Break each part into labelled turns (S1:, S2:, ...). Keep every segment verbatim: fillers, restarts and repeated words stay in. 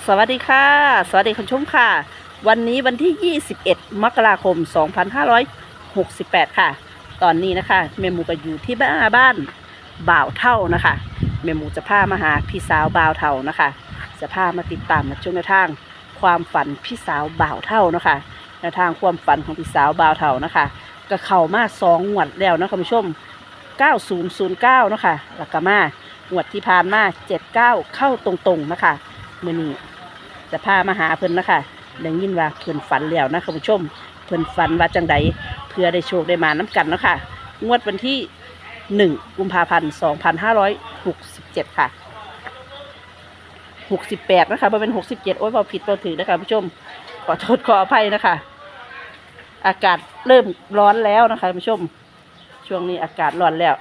S1: สวัสดีค่ะสวัสดีคุณผู้ชมค่ะวันนี้วันที่ยี่สิบเอ็ดมกราคมสองพันห้าร้อยหกสิบแปดค่ะตอนนี้นะคะแม่หมูก็อยู่ที่บ้านบ้านบ่าวเท่านะคะแม่หมูจะพามาหาพี่สาวบ่าวเท่านะคะจะพามาติดตามมาชมแนวทางความฝันพี่สาวบ่าวเท่านะคะแนวทางความฝันของพี่สาวบ่าวเท่านะคะก็เข้ามาสองงวดแล้วนะคุณผู้ชมเก้าศูนย์ศูนย์เก้านะคะแล้วก็มางวดที่ผ่านมาเจ็ดเก้าเข้าตรงๆนะคะมื้อนี้จะพามาหาเพิ่นนะคะได้ยินว่าเพิ่นฝันแล้วนะคุณผู้ชมเพิ่นฝันว่าจังใดเพื่อได้โชคได้มาน้ำกันเนาะค่ะงวดวันที่หนึ่งกุมภาพันธ์สองพันห้าร้อยหกสิบเจ็ดค่ะหกสิบแปดนะคะบ่เป็นหกสิบเจ็ดโอ้ยบ่ผิดบ่ถือนะคะผู้ชมขอโทษขออภัยนะคะอากาศเริ่มร้อนแล้วนะคะผู้ชมช่วงนี้อากาศร้อนแล้ว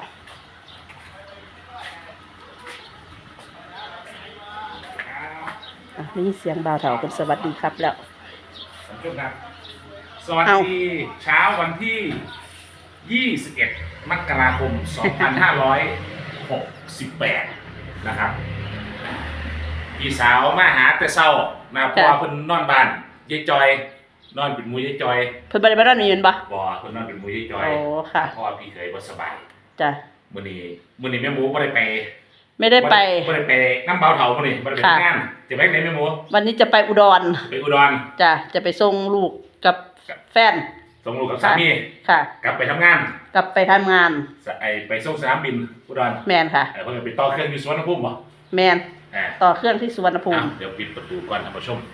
S1: ได้ยินเสียงบ่าวเฒ่าเป็นสวัสดีครับแล้ว
S2: สวัสดีเช้าวันที่ยี่สิบเอ็ดมกราคมสองพันห้าร้อยหกสิบแปดนะครับพี่สาวมาหาแต่เช้านะเพราะว่าเพิ่นนอนบ้านยายจอยนอนเป็นหมู่ยายจอย
S1: เพิ่นบ่ได้มานอนนี่แม่นบ่
S2: บ่เพิ่นนอนเป็นหมู่ยายจอย
S1: โอ้ค่ะ
S2: เพราะว่าพี่เคยบ่สบาย
S1: จ้ะ
S2: มื้อนี้มื้อนี้แม่หมูบ่ได้ไป
S1: ไม่ได้ไป
S2: บ่ได้ไปน้ำเบาเฒ่ามื้อนี้บ่ได้ไปงานจะไปไหนแม่หมู
S1: วันนี้จะไปอุดร
S2: ไปอุดร
S1: จ้ะจะไปส่งลูกกับแฟน
S2: ส่งลูกกับสามี
S1: ค่ะ
S2: กลับไปทำงาน
S1: กลับไปทำงาน
S2: ไอไปส่งสนามบินอุดร
S1: แมนค่ะ
S2: เออเพิ่นไปต่อเครื่องอยู่สุวรรณภูมิบ่
S1: แมนต่อเครื่องที่สุวรรณภูมิ
S2: เดี๋ยวปิดประตูก่อนท่านผู้ชม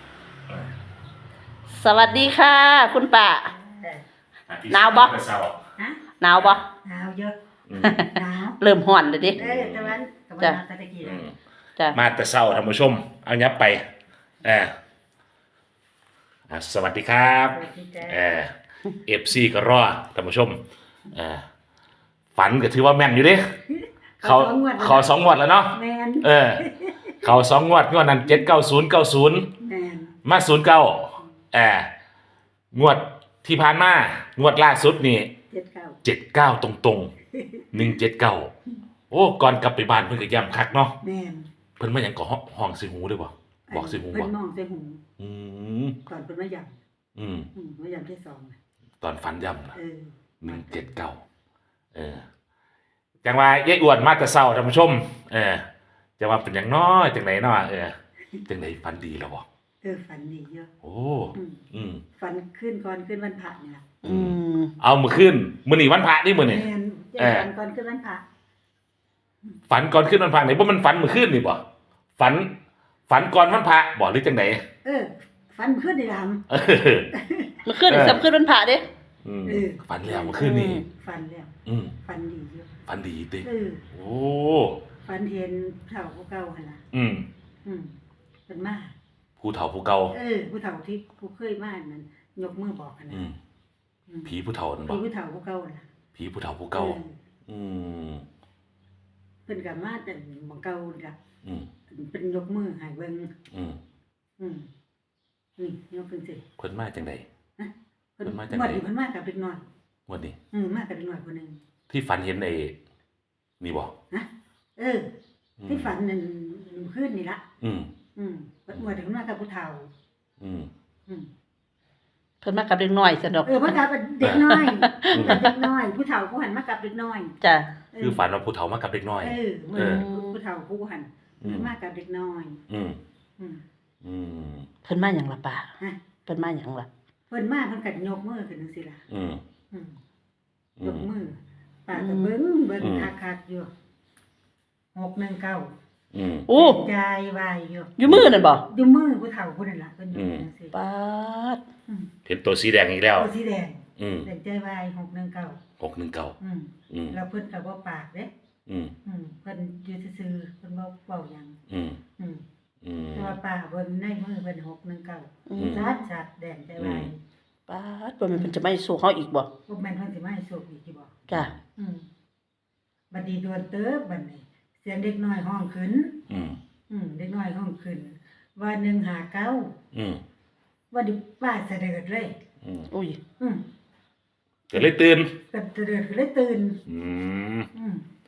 S1: สวัสดีค่ะคุณป้าหนาวบ่หนาวบ่
S3: หนาวเยอะหนาว
S1: เริ่มร้อนเลยดิ
S3: เออตะวันตะวันตะตะกี้
S2: จ้ะมาแต่เช้าท่านผู้ชมเอายับไปเอออ่ะสวัสดีครับเออ เอฟ ซี ก็รอท่านผู้ชมเออฝันก็ถือว่าแม่นอยู่เด้เขาเขาสองงวดแล้วเนาะ
S3: แม่น
S2: เออเขาสองงวดงวดนั้นเจ็ดเก้าศูนย์เก้าศูนย์
S3: แม่น
S2: มาศูนย์เก้าเอองวดที่ผ่านมางวดล่าสุดนี่
S3: เจ็ดเก้า
S2: เจ็ดเก้าตรงตรงหนึ่งเจ็ดเก้าโอ้ก่อนกลับไปบ้านเพิ่นก็ย้ำคักเนาะ
S3: แม่น
S2: เพิ่นมาหยังก็ห้องสิหูด้วยบ่บอกสิหูบ่
S3: เพิ่นมองใส่หู
S2: อืม
S3: ก่อนเพิ่นมาย้
S2: ำอืม
S3: อืมมาย้ำที่สอง
S2: ตอนฝันย้ำนะ
S3: เออ
S2: หนึ่งเจ็ดเก้าเออจังว่ายายอ้วนมาแต่เช้าท่านผู้ชมเออจังว่าเป็นหยังน้อยจังไหนเนาะเออจังไหนฝันดีแล้วบ่
S3: เออฝันดีเยอะ
S2: โอ้อืม
S3: ฝันขึ้นก่อนขึ้นวันพระนี่ล่ะ
S1: อืม
S2: เอามื้อคืนมื้อนี้วันพระนี่มื้อนี้
S3: แม่นเออฝันก่อนขึ้นวันพระ
S2: ฝันก่อนขึ้นวันพระนี่บ่มันฝันมื้อคืนนี่บ่ฝันฝันก่อนวันพระบ่หรือจังได
S3: เออฝันขึ้นนี่ล่ะ
S2: เออ
S1: มื้อคืนนี่สำคืนวันพระเด้
S2: อืมฝันแล้วมื้อคืนนี่
S3: ฝันแล้ว
S2: อืม
S3: ฝันดีเยอะ
S2: ฝันดีติ
S3: เออ
S2: โอ้
S3: ฝันเห็นเฒ่าผู้เก่าหั่นล่ะ
S2: อืม
S3: อืมเพิ่นมา
S2: ผู้เฒ่าผู้เก่า
S3: เออผู้เฒ่าที่ผู้เคยมานั่นยกมือบอกกันนะ
S2: ผีผู้เฒ่านั่นบ่
S3: ผีผู้เฒ่าผู้เก่าน่ะ
S2: ผีผู้เฒ่าผู้เก่าอืม
S3: เพิ่นก็มาแต่หม้องเก่าล่ะ
S2: อืม
S3: เป็นยกมือให้เบิ่ง
S2: อืม
S3: อืมนี่ยกขึ้นสิ
S2: เพิ่นมาจังได๋
S3: ฮะ
S2: เพิ่นมาจัง
S3: ได๋
S2: เ
S3: เพิ่นมากับเด็กน้อย
S2: งวดนี้
S3: อืมมากับเด็กน้อยคนนึง
S2: ที่ฝันเห็นไอ้นี่บ่
S3: ฮะเออที่ฝันนั่นคืนนี่ล่ะ
S2: อืม
S3: อืมเพิ่นมาถึงมากับผู้เฒ่า
S2: อืม
S3: อืม
S1: เพิ่นมากับเด็กน้อยซั่นดอก
S3: เออมากับเด็กน้อยกับเด็กน้อยผู้เฒ่าผู้หันมากับเด็กน้อย
S1: จ้ะ
S2: คือฝันว่าผู้เฒ่ามากับเด็กน้อย
S3: เออเหมือนผู้เฒ่าผู้หันมากับเด็กน้อย
S2: อืม
S3: อืม
S2: อืม
S1: เพิ่นมาหยังล่ะป้า
S3: ฮะ
S1: เพิ่นมาหยังล่ะ
S3: เพิ่นมาเพิ่นก็ยกมือขึ้นจังซี่ล่ะ
S2: อืม
S3: อืมยกมือป้าก็เบิ่งเบิ่งคักๆอยู่หกหนึ่งเก้า
S2: อืม
S1: โอ้
S3: ยายวายอยู่
S1: อยู่มือนั่นบ่
S3: อยู่มือผู้เฒ่าผู้นั่นล่ะเพิ่นอยู่จังซี่
S1: ป๊าด
S2: เห็นตัวสีแดงอีกแล้ว
S3: ตัวสีแดง
S2: อืม
S3: แดงใจวายหกหนึ่งเก้า
S2: หกหนึ่งเก้า
S3: อืมอืมแล้วเพิ่นก็บ่ปากเด้
S2: อืม
S3: อืมเพิ่นอยู่ซื่อๆเพิ่นบ่เว้าหยัง
S2: อืม
S3: อืม
S2: อืม
S3: แต่ว่าป้าเบิ่งในมือเพิ่นหกหนึ่งเก้าชัดๆแดงใจวาย
S1: ป๊าดบ่แม่นเพิ่นจะมาให้สู้เฮาอีกบ่
S3: บ่แม่นเพิ่นสิมาให้โชคอีกสิบ่
S1: จ้ะ
S3: อืมบัดนี้โดนเติบบัดนี้เสียงเด็กน้อยร้องขึ้น
S2: อืม
S3: อืมเด็กน้อยร้องขึ้นว่าหนึ่งห้าเก้า
S2: อืม
S3: ว่าดิป้าเสด็จเลย
S2: อืม
S1: อุ้ย
S3: อืม
S2: ก็เลยตื่น
S3: ก็เสด็จก็เลยตื่น
S2: อืม
S3: อืม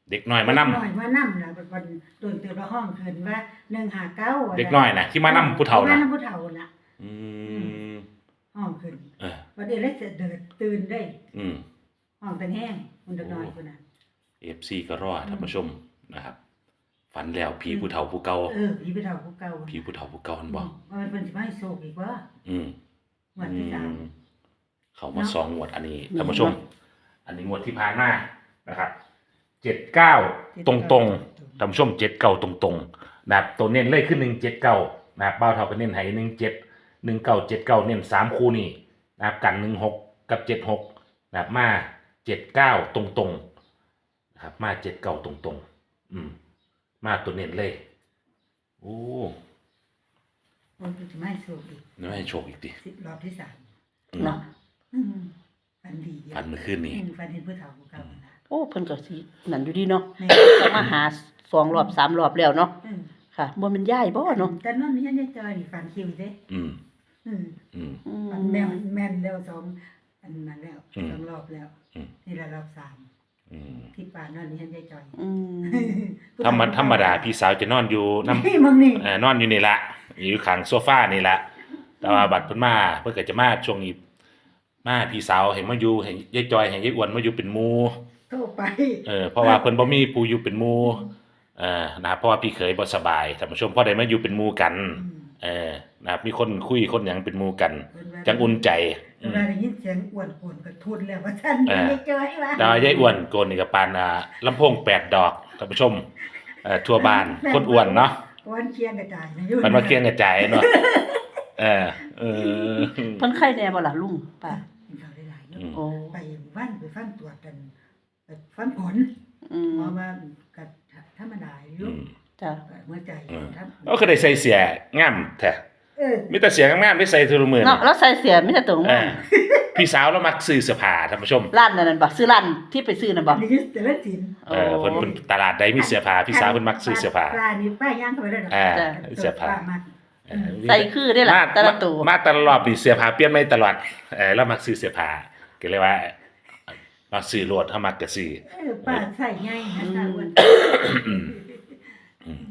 S2: เด็กน้อยมานำ
S3: เด็กน้อยมานำล่ะวันโดนเตือนว่าห้องขึ้นว่าหนึ่งห้าเก้า
S2: เด็กน้อยน่ะที่มานำผู้เฒ่า
S3: ที่มา
S2: น่ะ
S3: นำผู้เฒ่าน่ะ
S2: อืม
S3: ห้องขึ้น
S2: เออ
S3: วันเดียวเลยเดินตื่นได้
S2: อืม
S3: ห้องตังแห้งคนเด็กน้อยคนน่ะ
S2: เอฟซีก็รอท่านผู้ชมนะครับ ฝันแล้วผีผู้เฒ่าผู้เก่า
S3: เออผีผู้เฒ่าผู้เก่า
S2: ผีผู้เฒ่าผู้เก่ามันบ่
S3: ว่ามันเป็นสิมาให้โชคอีกว่า
S2: อืม
S3: งวันที่สาม
S2: อืมเขามาสองงวดอันนี้ท่านผู้ชม อันนี้งวดที่ผ่านมานะครับเจ็ดเก้าตรงตรงๆท่านผู้ชมเจ็ดเก้าตรงตรงๆนะครับตัวเน้นเลขขึ้นหนึ่งเจ็ดเก้านะครับเบ้าเท่ากันเน้นให้หนึ่งเจ็ดหนึ่งเก้าเจ็ดเก้าเน้นสามคู่นี่นะครับกันหนึ่งหกกับเจ็ดหกนะครับมาเจ็ดเก้าตรงตรงๆนะครับมาเจ็ดเก้าตรงตรงๆอืมมาตัวเน้นเลยโอ้
S3: มันเป็นสิมาให้โชคอีก
S2: นี่ให้โชคอีกดิ
S3: สิรอบที่สาม
S2: อืม
S1: เนาะ
S3: อืมฝันดีอยู่
S2: ฝันเมื่อคืนนี้
S3: อืมฝันเห็นผู้เฒ่าผู้เก่าน่ะ
S1: โอ้เพิ่นก็สินั่นอยู่ดีเนาะ
S3: แม่
S1: จะมาหาสองรอบสามรอบแล้วเนาะ
S3: อืม
S1: ค่ะบ่แม่นย้ายบ่เนาะ
S3: แต่นั่นนี่ยังได้เจอนี่ฝันคิวเด้
S2: อืม
S3: อืม
S2: อืม
S1: อื
S3: ฝัน
S1: ม
S3: แม่นแม่นแล้วสองอันนั้นแล้ว
S2: อืม
S3: สองรอบแล้ว
S2: อืม
S3: นี่ละรอบสาม
S2: อืม
S3: ที่ป่านนั่นนี่ยังได้จอย
S1: อืม
S2: ธรรมธรรมดาพี่สาวจะนอนอยู่น้ำ
S3: นี่มึงนี่
S2: เอ่อนอนอยู่นี่ละอยู่ข้างโซฟานี่ละแต่ว่าบัดเพิ่นมาเพิ่นก็จะมาช่วงนี้มาพี่สาวเห็นมาอยู่เห็นยายจอยเห็นยายอ้วนมาอยู่เป็นหมู่
S3: โทรไป
S2: เออเพราะว่าเพิ่นบ่มีผู้อยู่เป็นหมู่เออนะครับเพราะว่าพี่เคยบ่สบายท่านผู้ชมพอได้มาอยู่เป็นหมู่กัน
S3: อืม
S2: เออนะครับมีคนคุยคนหยังเป็นหมู่กัน
S3: เพิ่นว่า
S2: จังอุ่นใจ
S3: เวลาได้ยินเสียงอ้วนโกนก็ทุนแล้วว่าท่าน
S2: เออ
S3: ไม่เจอให้ว่า
S2: แต่ว่ายายอ้วนโกนนี่ก็ปานอ่าลำโพงแปดดอกท่านผู้ชมเอ่อทั่วบ้านคนอ้วนเนาะ
S3: วันเคียงกระจายนะอยู่
S2: มันมาเคียงกระจายเนาะเออเออ
S1: เพิ่นไข้แน่บ่ล่ะลุงป้า
S3: กินข้าวได้หลายเน
S2: อืม
S3: อะ
S1: โอ้
S3: ไปบ้านไปฟังตรวจกันไปฟังผล
S1: อืม
S3: หมอว่าก็ธรรมดาอยู่
S2: อืม
S1: จ้ะ
S3: เมื่อใจ
S2: อืม
S3: ครับ
S2: ก็คือได้ใส่เสียงามแท้
S3: เออ
S2: มีแต่เสียงามๆได้ใส่ทุกมื้อ
S1: เนาะ
S2: นี่
S1: แล้วใส่เสียมีแต่ตรง
S2: เอ
S1: มา
S2: อพี่สาวเรามักซื้อเสื้อผ้าท่านผู้ชม
S1: ร้านนั่นบ่ซื้อร้านที่ไปซื้อน่ะบ่
S3: นี่คือแต่ละสิน
S2: เออเพิ่นเพิ่นตลาดใดมีเสื้อผ้าพี่สาวเพิ่นมักซื้อเสื้อผ้า
S3: ปลานี่ป้าย่างเข้าไปได้หรอ
S2: อ่าเสื้อผ้า
S3: ปลมัก
S2: เออ
S1: ใส่คือได้ล่ะ
S2: มา
S1: แต่ละตัว
S2: มาตลอดนี่เสื้อผ้าเปลี่ยนไม่ตลอดเออเรามักซื้อเสื้อผ้าก็เลยว่ามักซื้อโลดถ้ามักก็ซื้อ
S3: เออป้าใส่ง่ายนะตาอ้วน
S2: อืม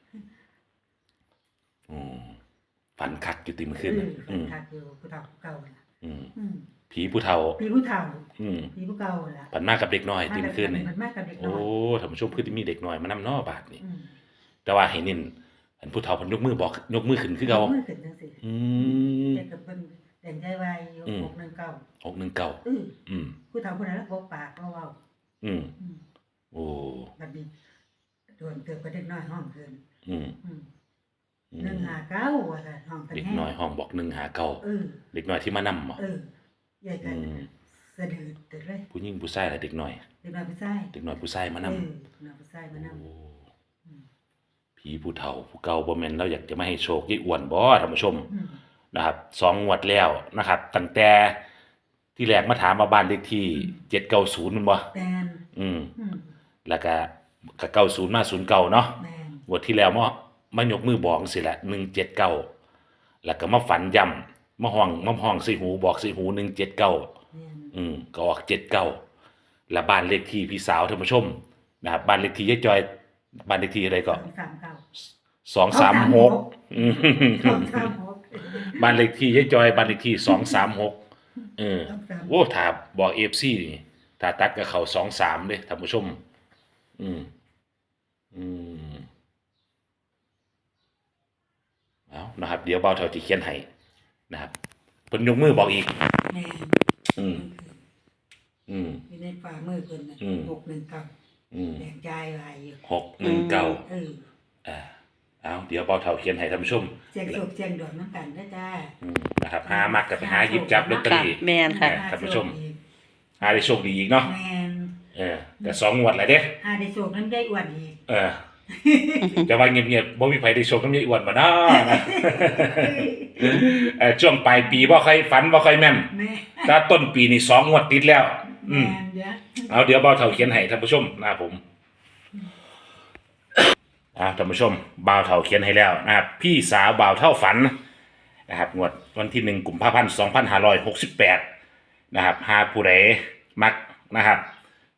S2: อืมฝันคักอยู่ติมื้อ
S3: เอ
S2: คืน
S3: อ
S2: น่ะ
S3: ฝั
S2: อื
S3: น
S2: ม
S3: คักอยู่ผู้เฒ่าผู้เก่าน่ะ
S2: อืม
S3: อืม
S2: ผีผู้เฒ่า
S3: พี่ผู้เฒ่า
S2: อืม
S3: พี่ผู้เก่าล่ะ
S2: ฝันมากกับเด็กน้อยติมื้อคืนนี่
S3: มันมากกับเด็กน้
S2: โอ้
S3: อย
S2: ท่านผู้ชมคือมีเด็กน้อยมานำเนอบาดนี่
S3: อืม
S2: แต่ว่าให้เน้นอันผู้เฒ่าเพิ่นยกมือบอกยกมือขึ้นคือเก่า
S3: มือขึ้นจังซี่
S2: อืม
S3: แต่กับเพิ่นแต่งใจไว้อยู่
S2: อืม
S3: หกหนึ่งเก้า
S2: หกหนึ่งเก้า
S3: เออ
S2: อืม
S3: ผู้เฒ่าผู้นั้นแล้วบ่ปากบ่เว้า
S2: อืม
S3: อืม
S2: โอ้
S3: บัดนี้โดนเติบก็เด็กน้อยห้องเกิน
S2: อืม
S3: อืม
S2: อื
S3: หนึ่ง
S2: ม
S3: ห้าเก้าว่าซั่นห้องตัน
S2: เด็ก
S3: แห้ง
S2: น้อยห้องบอกหนึ่งหาเก้า
S3: เออ
S2: เด็กน้อยที่มานำอ่ะ
S3: เออใหญ่กั
S2: อื
S3: น
S2: ม
S3: สะดือตึกเลย
S2: ผู้หญิงผู้ชายและเด็กน้อย
S3: เด็กน้อยผู้ชาย
S2: เด็กน้อยผู้ชายมาำ
S3: เอนอเด็กน้อยผู้ชายมานำ
S2: โอ้
S3: อืม
S2: ผีผู้เฒ่าผู้เก่าบ่แม่นเราอยากจะมาให้โชคยายอ้วนบ่ท่านผู้ชม
S3: อืม
S2: นะครับสองงวดแล้วนะครับตั้งแต่ที่แรกมาถามว่าบ้านเลขที่เจ็ดเก้าศูนย์มันบ่
S3: แมน
S2: อืม
S3: อืม
S2: แล้วก็ก็เก้าศูนย์มาศูนย์เก้าเนาะ
S3: แมน
S2: งวดที่แล้วมามายกมือบอกสิแหละหนึ่งเจ็ดเก้าแล้วก็มาฝันย่ำมาห้องมาห้องใส่หูบอกใส่หูหนึ่งเจ็ดเก้า
S3: แมน
S2: อืมก็ออกเจ็ดเก้าและบ้านเลขที่พี่สาวท่านผู้ชมนะครับบ้านเลขที่ยายจอยบ้านเลขที่อะไรก็
S3: สองสามเก้า
S2: สองสามหกอืม
S3: สองสามหก
S2: บ้านเลขที่ยายจอยบ้านเลขที่สองสามหกเออ
S3: สองสาม
S2: โอ้ถ้าบอกเอฟซีนี่ถ้าตัดกับเขาสองสามเลยท่านผู้ชม อืม อืมเอานะครับ เดี๋ยวเบาเท่าที่เขียนให้นะครับเพิ่นยกมือบอกอีก
S3: แมน
S2: อืม อืม
S3: อยู่ในฝ่ามือเพิ่นน่ะ
S2: อืม
S3: หกหนึ่งเก้า
S2: อืม
S3: แดงใจไว้อยู่
S2: หกหนึ่งเก้า
S3: เออ
S2: อ่าเอาเดี๋ยวเบาเท่าเขียนให้ท่านผู้ชม
S3: เสียงโศกเสียงดอกน้ำกันนะจ้า
S2: อืมนะครับหามักกับไปหาหยิบจับลอตเตอ
S1: ค่ะ
S2: รี่
S1: แม่นค่ะ
S2: ท่านผู้ชม หาได้โชคดีอีกเนาะ
S3: แมน
S2: เออแต่สองงวดแล้วเด้
S3: หาได้โศกนั้นได้อ้วนอีก
S2: เออ จะว่าเงียบๆบ่มีไผได้โชคน้ำยายอ้วนบ่เนาะ เออช่วงปลายปีบ่ค่อยฝันบ่ค่อยแม่น
S3: แม่
S2: ถ้าต้นปีนี่สองงวดติดแล้ว อืม
S3: แมนเด้อ
S2: เอาเดี๋ยวเบาเท่าเขียนให้ท่านผู้ชมนะครับผมอ่าท่านผู้ชมเบาเท่าเขียนให้แล้วนะครับพี่สาวเบาเท่าฝันนะครับงวดวันที่หนึ่งกุมภาพันธ์สองพันห้าร้อยหกสิบแปดนะครับหาผู้ใดมักนะครับ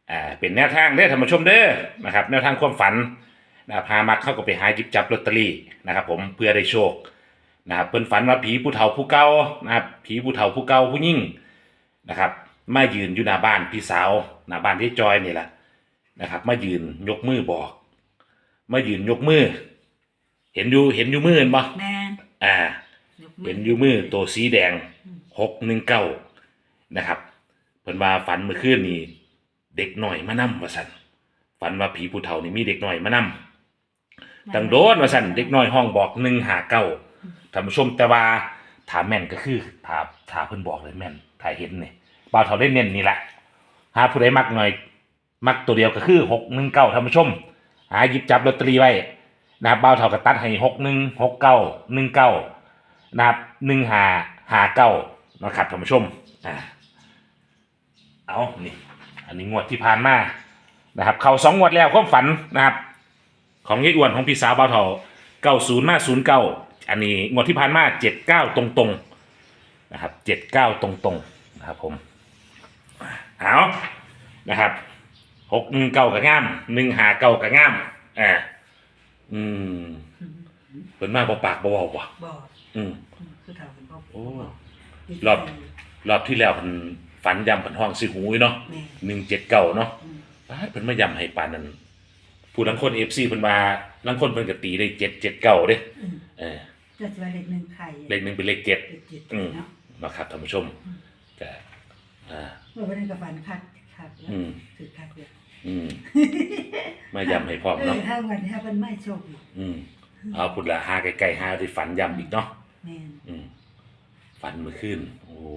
S2: อ่าเป็นแนวทางเด้อท่านผู้ชมเด้อนะครับแนวทางความฝันนะครับพามักเข้าก็ไปหาหยิบจับลอตเตอรี่นะครับผมเพื่อได้โชคนะครับเพิ่นฝันว่าผีผู้เฒ่าผู้เก่านะครับผีผู้เฒ่าผู้เก่าผู้ยิ่งนะครับมายืนอยู่หน้าบ้านพี่สาวหน้าบ้านที่จอยนี่แหละนะครับมายืนยกมือบอกมายืนยกมือเห็นอยู่เห็นอยู่มือเห็นบ่
S3: แม่น
S2: อ่า
S3: ยกมื
S2: เห็นอยู่มือตัวสีแดงหกหนึ่งเก้านะครับเพิ่นว่าฝันเมื่อคืนนี้เด็กหน่อยมานำว่าซั่นฝันว่าผีผู้เฒ่านี่มีเด็กหน่อยมานำตั้งโดนว่าซั่นเด็กน้อยห้องบอกหนึ่งห้าเก้าท่านผู้ชมแต่ว่าถามแม่นก็คือถามถามเพิ่นบอกเลยแม่นถ้าเห็นนี่บ่าวเฒ่าได้เน้นนี่แหละหาผู้ใดมักหน่อยมักตัวเดียวก็คือหกหนึ่งเก้าท่านผู้ชมหาหยิบจับลอตเตอรี่ไว้นะครับบ่าวเฒ่าก็ตัดให้หกหนึ่ง หกเก้า หนึ่งเก้านะครับหนึ่งห้า ห้าเก้านะครับท่านผู้ชมอ่าเอานี่อันนี้งวดที่ผ่านมานะครับเข้าสองงวดแล้วความฝันนะครับของยายอ้วนของพี่สาวบ่าวเฒ่าเก้าศูนย์มาศูนย์เก้าอันนี้งวดที่ผ่านมาเจ็ดเก้าตรงๆนะครับเจ็ดเก้าตรงๆนะครับผมเอานะครับหกหนึ่งเก้ากับง่ามหนึ่งห้าเก้ากับง่ามอ่าอืมเป็นมาบ่ปากบ่เว้าบ่
S3: บอก
S2: อืม
S3: ผู้เฒ่าเป็นบอก
S2: โอ้
S3: บอก
S2: รอบ รอบที่แล้วเพิ่นฝันยำเพิ่นห้องสิหูยเนาะ
S3: แม่
S2: หนึ่งเจ็ดเก้าเนาะ
S3: อืม
S2: ปาดเพิ่นมายำให้ปานนั้นผู้ลังคนเอฟซีเพิ่นมาลังคนเพิ่นก็ตีได้เจ็ดเจ็ดเก้าเด้
S3: อืม
S2: เออ
S3: จะจะว่าเลขหนึ่งไข่
S2: เลขหนึ่งเป็นเลขเจ็ด
S3: เลขเจ็ด
S2: อืม
S3: เนาะ
S2: นะครับท่านผู้ชมก็อ่า
S3: เมื่อวันนั้นกับฝันคัดคัดแล้ว
S2: อืม
S3: ถือคัดเลย
S2: อืมมายำให้พร้อม
S3: เออ
S2: เนาะ
S3: ถ้าวันนี้ถ้าเป็นไม่โชคดี
S2: อืมเอาพุ่นละหาใกล้ๆหาที่ฝันยำอีกเนาะ
S3: แม่น
S2: อืมฝันเมื่อคืนโอ้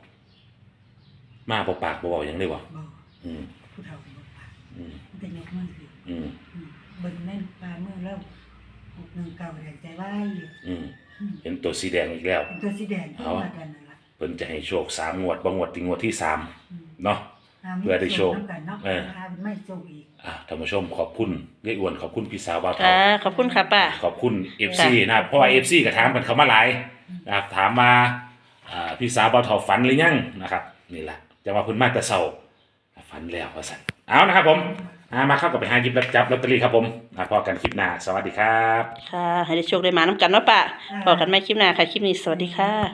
S2: มาบ่ปากบ่เว้าหยังเลยบ่
S3: บอก
S2: อืม
S3: ผู้เฒ่าเป็นบอกปาก
S2: อืม
S3: มันจะยกมือสิ
S2: อืม
S3: อืมบนแม่นปลามือแล้วหกหนึ่งเก่าแดงใจไหวอยู่
S2: อืม
S3: อืม
S2: เห็นตัวสีแดงอีกแล้ว
S3: เป็นตัวสีแดงที่
S2: เอา
S3: มากันนั่นแหละ
S2: เพิ่นจะให้โชคสามงวดบ่งวดที่งวดที่สาม
S3: อืม
S2: เนาะ
S3: หามี
S2: เพื่อได้โชค
S3: น้ำกันเนาะ
S2: เออ
S3: หาไม่โชคอีก
S2: อ่ะท่านผู้ชมขอบคุณยายอ้วนขอบคุณพี่สาวบ่าวเฒ่า
S1: ค่ะขอบคุณค่ะป้า
S2: ขอบคุณ เอฟ ซี นะครับเพราะว่า เอฟ ซี ก็ถามกันเข้ามาหลายนะครับถามมาอ่าพี่สาวบ่าวเฒ่าฝันหรือยังนะครับนี่แหละจะว่าเพิ่นมาแต่เช้าฝันแล้วว่าซั่นเอานะครับผมอ่ามาเข้ากับไปหาหยิบรับจับลอตเตอรี่ครับผมอ่าพอกันคลิปหน้าสวัสดีครับ
S1: ค่ะ ให้ได้โชคได้มาน้ำกันเนาะป้าพอกันไม่คลิปหน้าค่ะ คลิปนี้สวัสดีค่ะ